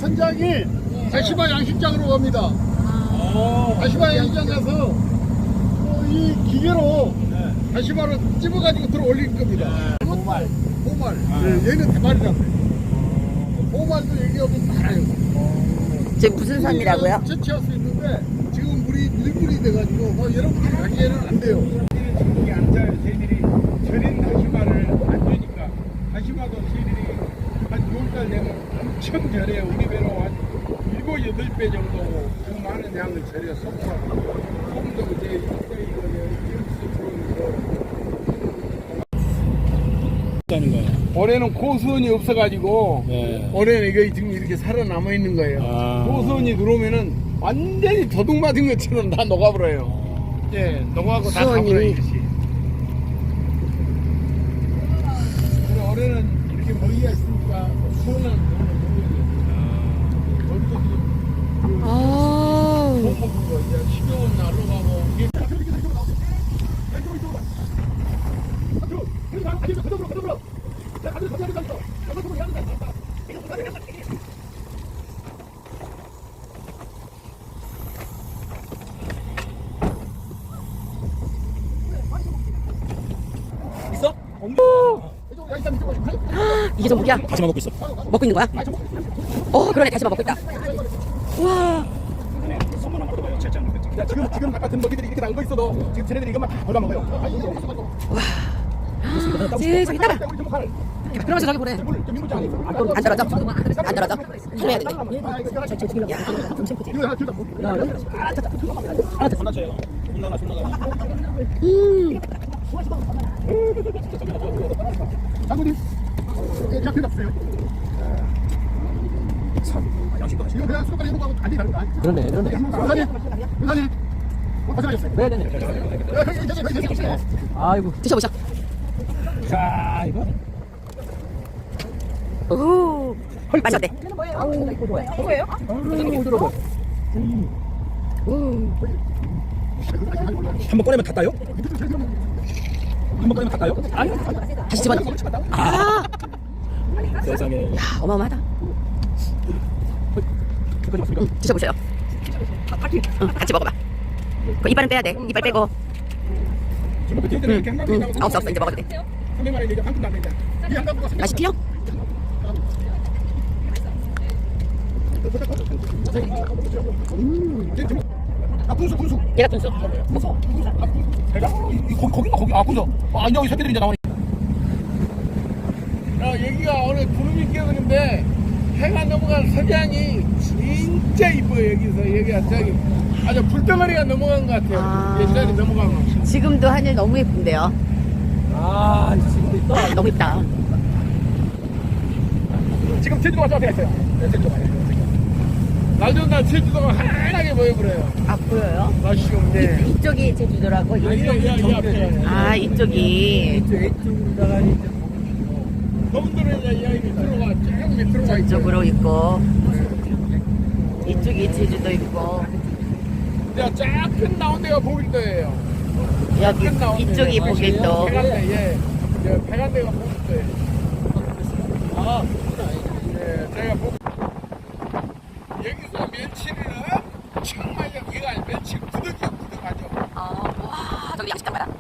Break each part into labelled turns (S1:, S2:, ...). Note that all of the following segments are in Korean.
S1: 현장이 다시마 양식장으로 갑니다. 다시마 양식장 가서 이 기계로 다시마를 찝어가지고 들어 올릴 겁니다. 보말. 얘는 대발이라고 해요. 보말도 여기 오면 많아요.
S2: 지금 무슨 산이라고요?
S1: 채취할 수 있는데 지금 물이 밀물이 돼가지고 뭐 여러분들이 가기에는 안 돼요.
S3: 저기 앉아요. 쟤들이 절인 다시마를 안 주니까 다시마도 쟤들이 한 6달 되면 엄청 절해요. 우리 배로 한 7, 8배 정도 그 많은 양을 절여 속하고 소금도 이제 이거
S4: 하는 거예요.
S3: 올해는 고수원이 없어가지고
S4: 네.
S3: 올해는 이거 지금 이렇게 살아남아 있는 거예요. 고수원이 들어오면은 완전히 도둑 맞은 것처럼 다 녹아버려요. 예, 녹아고 다
S2: 수원이.
S3: 가버려요. 이것이. 그래 올해는 이렇게 먹이가 있으니까 수원은
S2: 아,
S3: 못 먹은 거 이제 식용은 날로 가고 이게
S4: 있어?
S2: 이게 전복이야?
S4: 다시마 먹고 있어.
S2: 먹고 있는 거야? 그러네. 다시마 먹고 있다. 와,
S3: 지금 같은 먹이들이 이렇게 나온 거 있어도 지금 쟤네들이 이것만 다 골라 먹어요.
S2: 세상에 따라. 그러면서 저기 보래. 안 떨어져? 안 떨어져? 해야 돼. 야,
S4: 혼나줘요. 혼나나.
S1: 장군님, 자 대답주세요. 이거 그냥 수도까지 해보고 하고 안 되니까.
S4: 그러네.
S1: 의사님, 고생하셨어요.
S4: 네네네. 아이고.
S2: 드셔보셔.
S4: 자, 이거.
S2: 오, 맛이 어때?
S4: 한번 꺼내면 다 따요? 한번 꺼내면 다 따요? 아니.
S2: 다시 집어넣어. 아,
S4: 세상에.
S2: 야, 어마어마하다. 드셔보세요. 같이 먹어봐. 그 이빨은 빼야 돼. 이빨 빼고. 없어. 이제 먹어도 돼. 맛이 틀려?
S1: 분수.
S2: 얘가 분수.
S4: 거기. 아, 군서. 아, 여기 새끼들이 이제 나오네.
S3: 여기가 오늘 구름이 끼었는데 해가 넘어간 석양이 진짜 이뻐요. 여기가 저기 아주 불덩어리가 넘어간 것 같아요. 옛날에 넘어간 거.
S2: 지금도 하늘 너무 예쁜데요.
S4: 아, 지금 있다.
S2: 너무 예쁘다.
S3: 지금 제주도가 저한테 있어요. 네, 제주도가. 날 좋은 날 제주도가 환하게 보여버려요.
S2: 아, 보여요?
S3: 날씨가 네.
S2: 이쪽이 제주도라고?
S3: 앞에.
S2: 아, 이쪽이.
S3: 저분들은 이제 여기 밑으로가 쭉 밑으로 가 있죠.
S2: 저쪽으로 있고. 이쪽이 제주도 있고.
S3: 쫙큰 나온 데가 보길도예요.
S2: 여기
S3: 큰 나온
S2: 이쪽이
S3: 데가.
S2: 보길도.
S3: 백안대, 예. 백안대가 보길도예요. 아, 네, 제가 여기서 멸치를 정말 여기가 멸치 구덕하죠.
S2: 와, 저기 양식장 봐라.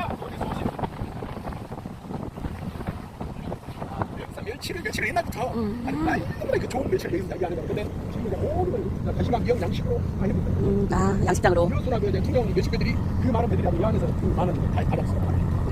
S3: 여기서 멸치를 옛날부터 그 좋은 멸치를 여기서 이야기하는 거예요. 근데 지금 이제 모든 다시마 미역 양식으로 많이
S2: 양식장으로.
S3: 교수나 그 투명 멸치배들이 그 많은 배들이 이안에서 그 많은 다 받았어요.